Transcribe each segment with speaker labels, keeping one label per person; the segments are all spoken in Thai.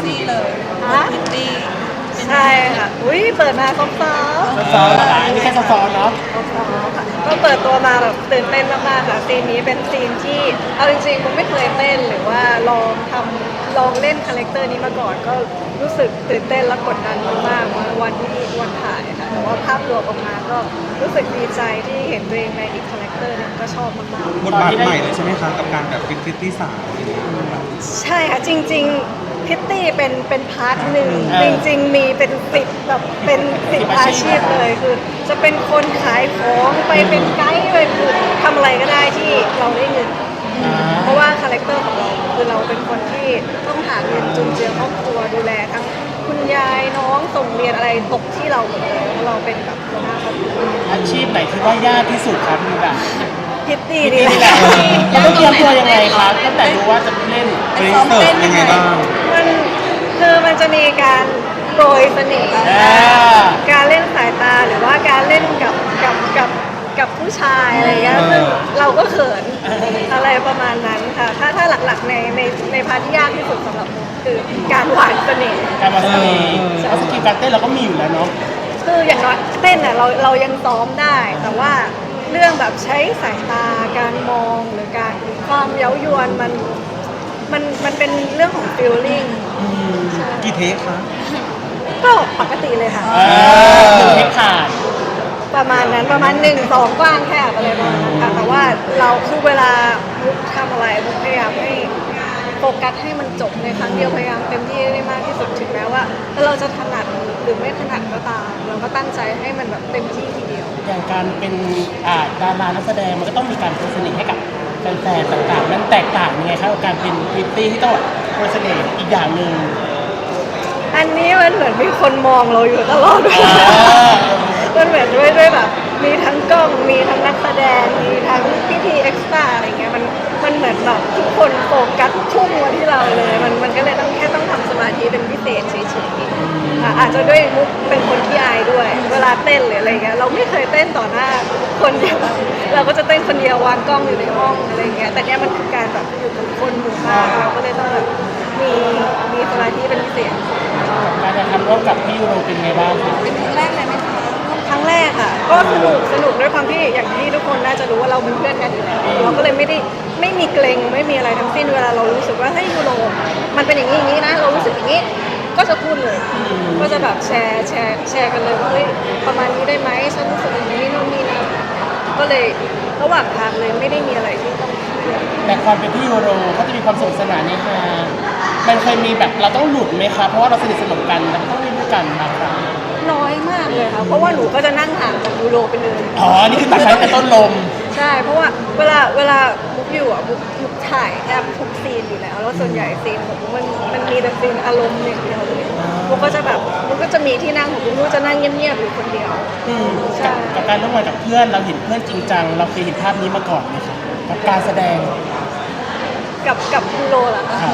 Speaker 1: ซี่เลยพิตตี้
Speaker 2: ใช่ค่ะอุ้ยเปิดมาซอฟต์
Speaker 3: ซอเหรอคะอันนี้แค่ซอเนาะ
Speaker 2: ค่ะก็เปิดตัวมาแบบตื่นเต้นมากๆค่ะซีนนี้เป็นซีนที่เอาจริงๆผมไม่เคยเต้นหรือว่าลองเล่นคาแรคเตอร์นี้มาก่อนก็รู้สึกตื่นเต้นและกดดันมากๆวันถ่ายค่ะแต่ว่าภาพรวมออกมาก็รู้สึกดีใจที่เห็นตัวเองในอีกคาแรคเตอร์นึงก็ชอบมากๆ
Speaker 4: บทบาทใหม่เลยใช่ไหมคะกับการแบบเป็นพริตตี้สาวอะไรอย่างเงี้ย
Speaker 2: ใช่ค่ะจริงๆพิตตี้เป็นพาร์ทหนึ่งจริงๆมีเป็น10แบบเป็น10อาชีพเลยคือจะเป็นคนขายของไปเป็นไกด์ไปคือทำอะไรก็ได้ที่เราได้เงินเพราะว่าคาแรคเตอร์ของเราคือเราเป็นคนที่ต้องหาเงินจุนเจือครอบครัวดูแลทั้งคุณยายน้องส่งเรียนอะไรตกที่เราหมดเลยเพราะเราเป็นแบบหัวหน้าครอบครัว
Speaker 3: อาชีพไหนที่ว่ายากที่สุดครับมีแบบ
Speaker 2: พิตตี้นี่แหละ
Speaker 3: เราต้องเตรียมตัวยังไงครับตั้งแต่รู้ว่าจะเล่น
Speaker 4: ซ้อมเต้นยังไงบ้าง
Speaker 2: มันจะมีการโปรยเสน่ห์การเล่นสายตาหรือว่าการเล่นกับผู้ชายอะไรเงี้ยซึ่งเราก็เขินอะไรประมาณนั้นค่ะถ้าหลักๆในพาร์ทที่ยากที่สุดสำหรับผมคือการหวานเสน่ห์
Speaker 3: การวางเสน่ห์แล้วสกิลการเต้นเราก็มีอยู่แล้วเนาะ
Speaker 2: คืออย่างน้อยเต้นอ่ะเรายังซ้อมได้แต่ว่าเรื่องแบบใช้สายตาการมองหรือการความเย้ายวนมันเป็นเรื่องของ feeling
Speaker 4: กี่เทคคะ
Speaker 2: ก็ปกติเลยค่ะ
Speaker 3: เทคขาด
Speaker 2: ประมาณนั้นประมาณ1-2กว้างแคบอะไรประมาณนั้นค่ะแต่ว่าเราคือเวลามุกทำอะไรมุกพยายามให้โฟกัสให้มันจบในครั้งเดียวพยายามเต็มที่ได้มากที่สุดถึงแม้ว่าเราจะถนัดหรือไม่ถนัดก็ตามเราก็ตั้งใจให้มันแบบเต็มที่ทีเดียว
Speaker 3: อย่างการเป็นดารานักแสดงมันก็ต้องมีการโพสเสน่ห์ให้กับแฟนๆต่างๆนั้นแตกต่างยังไงครับกับการเป็นพริตตี้ที่ต้องโพสเสน่ห์อีกอย่างหนึ่ง
Speaker 2: อันนี้มันเหมือนมีคนมองเราอยู่ตลอดเวลามันเหมือนด้วยแบบมีทั้งกล้องมีทั้งนักแสดงมีทั้งพี่เอ็กซ์ตร้าอะไรเงี้ยมันเหมือนแบบทุกคนโฟกัสพุ่งมาที่เราเลยมันก็เลยต้องทำสมาธิเป็นพิเศษเฉยๆอาจจะด้วยมุกเป็นคนที่อายด้วยเวลาเต้นหรืออะไรเงี้ยเราไม่เคยเต้นต่อหน้าคนเดียวเราก็จะเต้นคนเดียววางกล้องอยู่ในห้องอะไรเงี้ยแต่เนี้ยมันคือการแบบอยู่กับคนหมู่มากเราก็เลยต้องแบบมีสมาธิเป็นพิเศษ
Speaker 3: การจะทำร่วมกับพี่ยูโรเป็นไงบ้างคะ
Speaker 1: เป็นครั้งแรกเลยไหมคะ
Speaker 2: ครั้งแรกค่ะก็สนุกด้วยความที่อย่างที่ทุกคนน่าจะรู้ว่าเราเป็นเพื่อนกันอยู่แล้วเราก็เลยไม่มีเกรงไม่มีอะไรทั้งสิ้นเวลาเรารู้สึกว่าเฮ้ยยูโรมันเป็นอย่างนี้นะเรารู้สึกอย่างนี้ก็จะพูดเลยก็จะแบบแชร์กันเลยว่าเฮ้ยประมาณนี้ได้ไหมฉันรู้สึกอย่างนี้นู่นนี่นะก็เลยระหว่างทางเลยไม่ได้มีอะไรที่ต้อง
Speaker 3: แต่ความเป็นพี่ยูโรเขาจะมีความสนุกสนานในฮามันเคยมีแบบเราต้องหลุดไหมคะเพราะว่าเราสนิทสนมกันเราต้องเล่นด้วยกันบางครั้ง
Speaker 2: น้อยมากเลยค่ะเพราะว่าหนูก็จะนั่งห่างจากยูโรไปเลย
Speaker 3: นี่คือตัดใช้แต่ต้นลม
Speaker 2: ใช่เพราะว่าเวลามุกอยู่อ่ะมุกถ่ายแทบทุกซีนอยู่แล้วแล้วส่วนใหญ่ซีนของมุกมันมีแต่ซีนอารมณ์อย่างเดียวเลยมุกก็จะแบบมุกก็จะมีที่นั่งของมุกจะนั่งเงียบๆอยู่คนเดียว
Speaker 3: กับการร่วมงานกับเพื่อนเราเห็นเพื่อนจริงจังเราเคยเห็นภาพนี้มาก่อนไหมคะกับการแสดง
Speaker 2: กับยูโรเหรอคะ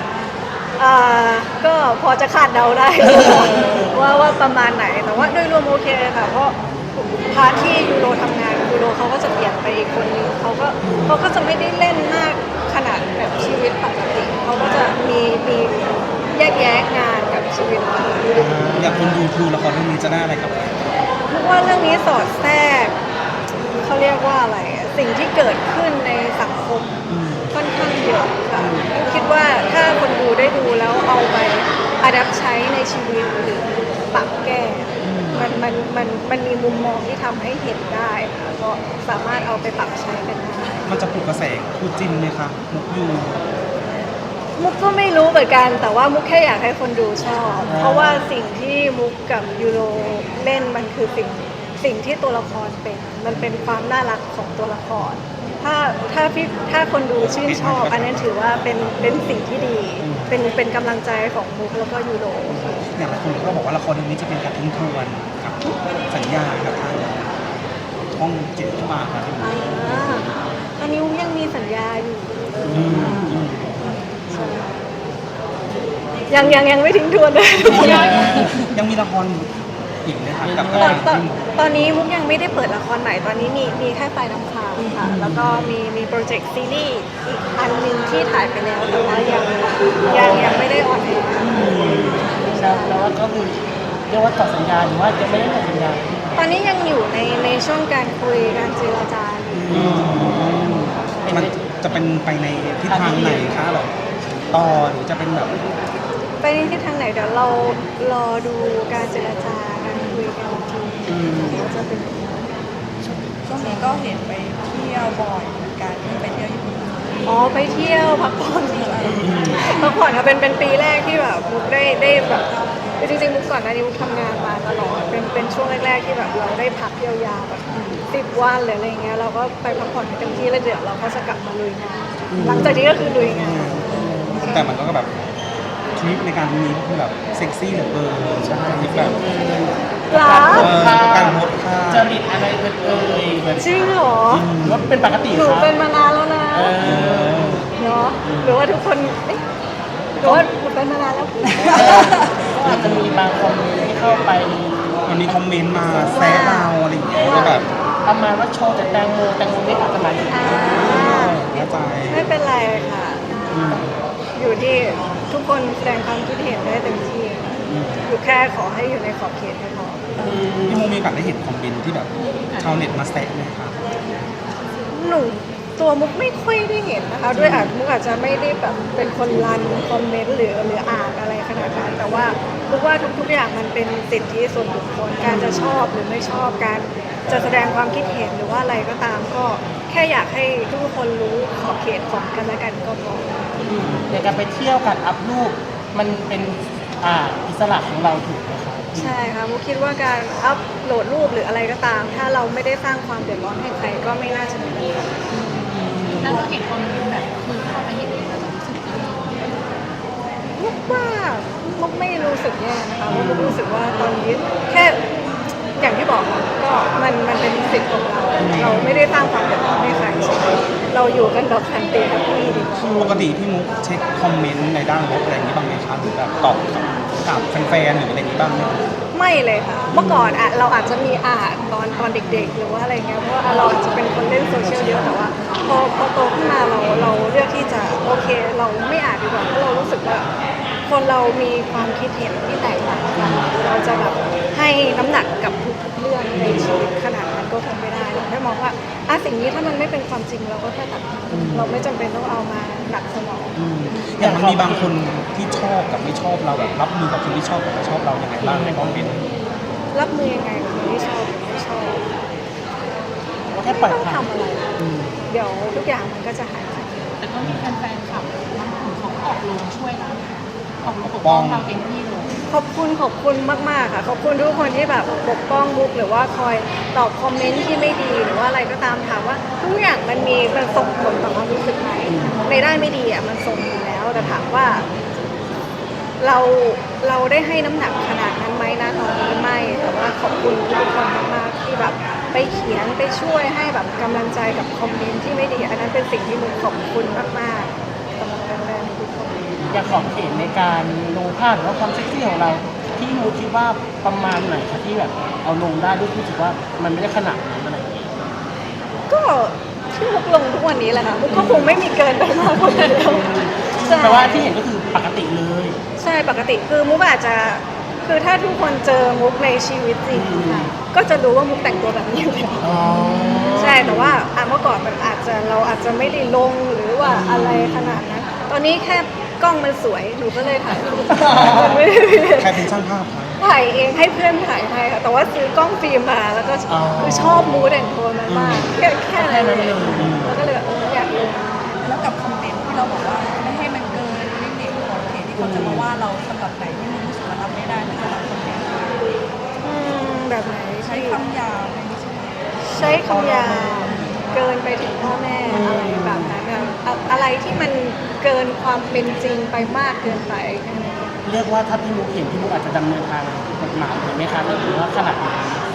Speaker 2: ก็พอจะคาดเดาได้ ว่าประมาณไหนแต่ว่าโดยรวมโอเคค่ะเพราะพาร์ทที่ยูโรทำงานยูโรเขาก็จะเปลี่ยนไปอีกคนนึงเขาก็จะไม่ได้เล่นมากขนาดแบบชีวิตปกติเขาก็จะมีแยกงานกับชีวิต
Speaker 4: อยากคนดูละครเรื่องนี้จะได้อะไรกับ
Speaker 2: เพราะว่าเรื่องนี้สอดแทรกเขาเรียกว่าอะไรสิ่งที่เกิดขึ้นในสังคมค่อนข้างเยอะค่ะคิดว่าถ้าคนดูได้ดูแล้วเอาไปอัดแอปใช้ในชีวิตหรือปรับแก้มันมีมุมมองที่ทำให้เห็นได้ค่ะก็สามารถเอาไปปรับใช้กันได้
Speaker 4: มันจะปลุกกระแสคู่จิ้นไหมคะมุกยู
Speaker 2: มุกก็ไม่รู้เหมือนกันแต่ว่ามุกแค่อยากให้คนดูชอบเพราะว่าสิ่งที่มุกกับยูโรเล่นมันคือสิ่งที่ตัวละครเป็นมันเป็นความน่ารักของตัวละครถ้าคนดูชื่นชอบอันนั้นถือว่าเป็นสิ่งที่ดีเป็นกำลังใจของมุกแล้วก็ยูโร
Speaker 4: อย่างไรคุณก็บอกว่าละครเรื่องนี้จะเป็นการทิ้งทวนกับสัญญากับทางช่อง7ที่มาครับ
Speaker 2: ตอนนี้มุกยังมีสัญญาอยู่ยังไม่ทิ้งทวนเลย
Speaker 4: ยังมีละครอีกนะคะกับ
Speaker 2: ตอนนี้มุกยังไม่ได้เปิดละครใหม่ตอนนี้มีแค่ปลายน้ำค้างค่ะแล้วก็มีโปรเจกต์ซีรีส์อีกอันนึงที่ถ่ายไปแล้วแต่ว่ายังไม่ได้ออนแอร์
Speaker 3: ก็คือเรียกว่าต่อสัญญาหรือว่าจะไม่ได้ต่อสัญญา
Speaker 2: ตอนนี้ยังอยู่ในช่วงการคุยการเจรจาอยู่
Speaker 4: มันจะเป็นไปในทิศทางไหนคะแบบต่อหรือจะเป็นแบบ
Speaker 2: ไปในทิศทางไหนเดี๋ยวเรารอดูการเจรจาการคุยกันอีกทีว่าจะเป็นยังไง
Speaker 1: ช่วงนี้ก็เห็นไปเที่ยวบ่อยเหมือนกันไปเที่ยวญี่ปุ่น
Speaker 2: อ๋อไปเที่ยวพักผ่อนพักผ่อนค่ะเป็นปีแรกที่แบบมุกได้แบบจริงๆมุกก่อนหน้านี้มุกทำงานมาตลอดเป็นช่วงแรกๆที่แบบเราได้พักยาวๆแบบ10 วันหรืออะไรเงี้ยเราก็ไปพักผ่อนให้เต็มที่แล้วเดี๋ยวเราก็จะกลับมาลุยงานหลังจากนี้ก็คือลุยงาน
Speaker 4: แต่มันก็แบบทริปในการมีก็คือแบบเซ็กซี่เหลือเกินใช่ทริปแบบ
Speaker 2: หรอ
Speaker 4: การโพสท่า
Speaker 3: จริตอะไรเอ่ยเหมือน
Speaker 2: จริงเหรอ
Speaker 3: หรือว่าเป็นปกติ
Speaker 2: หนู
Speaker 3: ครับ
Speaker 2: เป็นมานานแล้วนะ
Speaker 3: เออ
Speaker 2: เนาะหรือว่าทุกคนเอ๊ะหรือว่าหนูเป็นมานานแล้ว
Speaker 3: ก็อาจจะมีบางคอมเมนต์ที่เข้าไป
Speaker 4: มันมีคอมเมนต์มาแซะเราอะไรอย่างเงี้ยว่าแบบ
Speaker 3: ประมาณว่าโชว์แต่แตงโมไม่อาจจะหมายถึง
Speaker 2: อ่า
Speaker 4: เข้าใจ
Speaker 2: ไม่เป็นไรค่ะ อยู่ที่ทุกคนแสดงความคิดเห็นได้เต็มที่อยู่แค่ขอให้อยู่ในขอบเขตให้พอ
Speaker 4: พี่มูมีโอกาสได้เห็นคอมเมนต์ที่แบบชาวเน็ตมาแซะไหมคะ
Speaker 2: หนูตัวมุกไม่ค่อยได้เห็นนะคะด้วยมุกอาจจะไม่ได้แบบเป็นคนรันคอมเมนต์หรืออ่านอะไรขนาดนั้นแต่ว่ามุกว่าทุกอย่างมันเป็นสิทธิส่วนบุคคลการจะชอบหรือไม่ชอบการจะแสดงความคิดเห็นหรือว่าอะไรก็ตามก็แค่อยากให้ทุกคนรู้ขอบเขตของกันและกันก็พอ
Speaker 3: ในการไปเที่ยวการอัพรูปมันเป็นอิสระของเราถูกไหมครับ
Speaker 2: ใช่ค่ะมุกคิดว่าการอัพโหลดรูปหรืออะไรก็ตาม ถ้าเราไม่ได้สร้างความเดือดร้อนให้ใครก็ไม่น่าจะมีปัญหา
Speaker 1: แล้วเราเห็นคอมเมนต์แบบคือเข้าไปเห็นเองแล้วเรารู้สึกยังไง
Speaker 2: มุกว่ามุกไม่รู้สึกแย่นะคะมุกรู้สึกว่าตอนนี้แค่อย่างที่บอกค่ะก็มันเป็นสิทธิ์ของเรา เราไม่ได้สร้างความเดือดร้อนให้ใครใช่ไหมเราอยู่กันแบบคันตีแฮปปี้ดีกว่า
Speaker 4: ปกติพี่มุกเช็คคอมเมนต์ในด้านลบอะไรอย่างนี้บ้างไหมคะหรือแบบตอบกับแฟนๆหรืออะไรอย่างนี้บ้างไหม
Speaker 2: ไม่เลยค่ะ เมื่อก่อนอะเราอาจจะมีอ่านตอนเด็กๆ หรือว่าอะไรเงี้ยเพราะว่าเราอาจจะเป็นคนเล่นโซเชียลเยอะแต่ว่าพอโตขึ้นมาเราเลือกที่จะโอเค เราไม่อ่านดีกว่าเพราะเรารู้สึกว่า คนเรามีความคิดเห็นที่แตกต่างกันเราจะแบบให้น้ำหนักกับทุกๆเรื่องในชีวิตขนาดนั้นก็คงไม่ได้เราแค่มองว่าสิ่งนี้ถ้ามันไม่เป็นความจริงเราก็แค่ตัดทิ้งเราไม่จำเป็นต้องเอามาหนักสมอง
Speaker 4: อย่างมันมีบางคนที่ชอบกับไม่ชอบเราแบบรับมือกับคนที่ชอบกับไม่ชอบเราอย่างไรบ้างในคอมเมนต์
Speaker 2: รับมือยังไงกับคนที่ชอบหรือไม่ชอบ
Speaker 3: ว่าแค่ป
Speaker 2: ไม่
Speaker 3: ล่อย
Speaker 2: ต้อง
Speaker 3: ผ่าน
Speaker 2: ทำอะไร เดี๋ยวทุกอย่างมันก็จะหายไป
Speaker 1: แต่ก็มีแฟนๆขับบางกลุ่มเขาออกโรงช่วยเราออกโรงปกป้องเราเต็มที่เลย
Speaker 2: ขอบคุณมากๆค่ะขอบคุณทุกคนที่แบบปกป้องมุกหรือว่าคอยตอบคอมเมนต์ที่ไม่ดีหรือว่าอะไรก็ตามถามว่าทุกอย่างมันส่งผลต่อความรู้สึกไหมในด้านไม่ดีอ่ะมันส่งอยู่แล้วแต่ถามว่า เราได้ให้น้ำหนักขนาดนั้นไหมนะตอนนี้ไม่แต่ว่าขอบคุณทุกคนมากๆที่แบบไปเขียนไปช่วยให้แบบกำลังใจกับคอมเมนต์ที่ไม่ดีอันนั้นเป็นสิ่งที่มุกขอบคุณมากๆสำหรับแฟนๆทุกคน
Speaker 3: อยากขอบเขตในการลงภาพหรือว่าความเซ็กซี่ของเราที่มูคิดว่าประมาณไหนคะที่แบบเอาลงได้ด้วยรู้สึกว่ามันไม่ได้ขนาดนั้นอะไรอย่างเงี้ย
Speaker 2: ก็ที่มุกลงทุกวันนี้แหละค่ะมุกก็คงไม่มีเกินไปมากกว่านั้นแล้วใช่
Speaker 3: แต่ว่าที่เห็นก็คือปกติเลย
Speaker 2: ใช่ปกติคือมุกอาจจะคือถ้าทุกคนเจอมุกในชีวิตจริงค่ะก็จะรู้ว่ามุกแต่งตัวแบบนี้อยู่แล้ว
Speaker 3: อ๋อ
Speaker 2: ใช่แต่ว่าเมื่อก่อนมันเราอาจจะไม่ได้ลงหรือว่าอะไรขนาดนั้นตอนนี้แค่กล้องมันสวยหนูก็เลยถ่ายรูปมันไม่ได้
Speaker 4: ใครเป็นช่างภาพคะ
Speaker 2: ถ่ายเองให้เพื่อนถ่ายให้ค่ะแต่ว่าซื้อกล้องฟิล์มมาแล้วก็คือชอบมูดแอนโทนมันมากแค่นั้นเลยแล้วก็เลยแบบอยากลง
Speaker 1: แล้วกับคอมเมนต์ที่เราบอกว่าไม่ให้มันเกินลิมิตของเขตที่เขาจะมาว่าเราสำหรับไหนที่มันรู้สึกว่ารับไม่ได้ในสำหรับคอมเมนต์
Speaker 2: แบบไหน
Speaker 1: ใช้คำหยาบในนี้ใช่ไหม
Speaker 2: ใช้คำหยาบเกินไปถึงพ่อแม่อะไรแบบนั้นอะไรที่มันเกินความเป็นจริงไปมากเกินไปแค่นั้น
Speaker 3: เรียกว่าถ้าพี่มุกเห็นพี่มุกอาจจะดำเนินทางกฎหมายเลยไหมคะหรือว่าขนาดไหน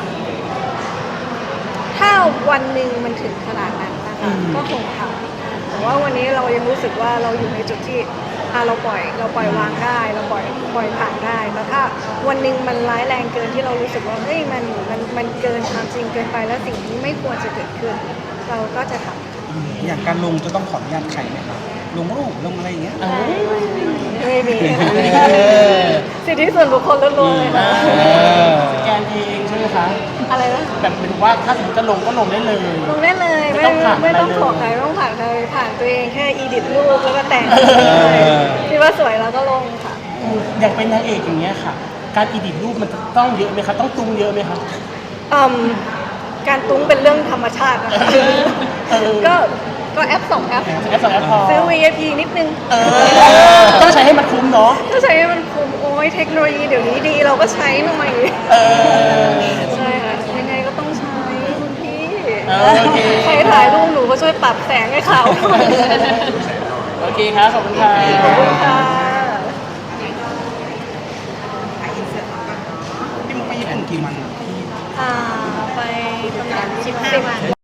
Speaker 2: ถ้าวันหนึ่งมันถึงขนาดนั้นนะคะก็คงทำแต่ว่าวันนี้เรายังรู้สึกว่าเราอยู่ในจุดที่เราปล่อยวางได้เราปล่อยผ่านได้แต่ถ้าวันหนึ่งมันร้ายแรงเกินที่เรารู้สึกว่าเฮ้ยมันเกินความจริงเกินไปแล้วสิ่งนี้ไม่ควรจะเกิดขึ้น เราก็จะทำ
Speaker 4: อย่างการลงจะต้องขออนุญาตใครไหมคะลงรูปลงอะไรอย่างเงี้ย
Speaker 2: ไม่มี
Speaker 3: เออ
Speaker 2: สิทธิส่วนบุคคลล้วนๆเลยค่ะ
Speaker 3: สแกนเองใช่ไหมคะ
Speaker 2: อะไรนะ
Speaker 3: แบบเป็นว่าถ้าสมมติจะลงก็ลงได้เลย
Speaker 2: ลงได้เลย
Speaker 3: ไม่ต้องผ่าน
Speaker 2: ไม่ต้อง
Speaker 3: อะไรเลย
Speaker 2: ขอใครไม่ต้องผ่านใครผ่านตัวเองแค่อีดิทรูปแล้วก็แต่งคิดว่าสวยแล้วก็ลงค่ะ
Speaker 3: อย่างเป็นนางเอกอย่างเงี้ยค่ะ การอีดิทรูปมันจะต้องเยอะไหมคะต้องตุ้งเยอะไหมคะ
Speaker 2: อืมการตุ้งเป็นเรื่องธรรมชาตินะคะ
Speaker 3: เออ
Speaker 2: ก็แอปสองแอป
Speaker 3: แอปสองแอปพอ
Speaker 2: ซื้อ VIP นิดนึง
Speaker 3: ต้องใช้ให้มันคุ้มเนาะ
Speaker 2: ถ้าใช้ให้มันคุ้มโอ้ยเทคโนโลยีเดี๋ยวนี้ดีเราก็ใช้หน่อย
Speaker 3: เออ
Speaker 2: ใช่ค่ะยังไงก็ต้องใช้คุณพี่
Speaker 3: โอเค
Speaker 2: ใครถ่ายรูปหนูก็ช่วยปรับแสงให้เขา
Speaker 3: โอเคครับขอบคุณค่ะ
Speaker 2: ขอบคุณค่ะ
Speaker 4: พี่มุกไปญี่ปุ่นกี่วัน
Speaker 2: ไปประมาณ15 วัน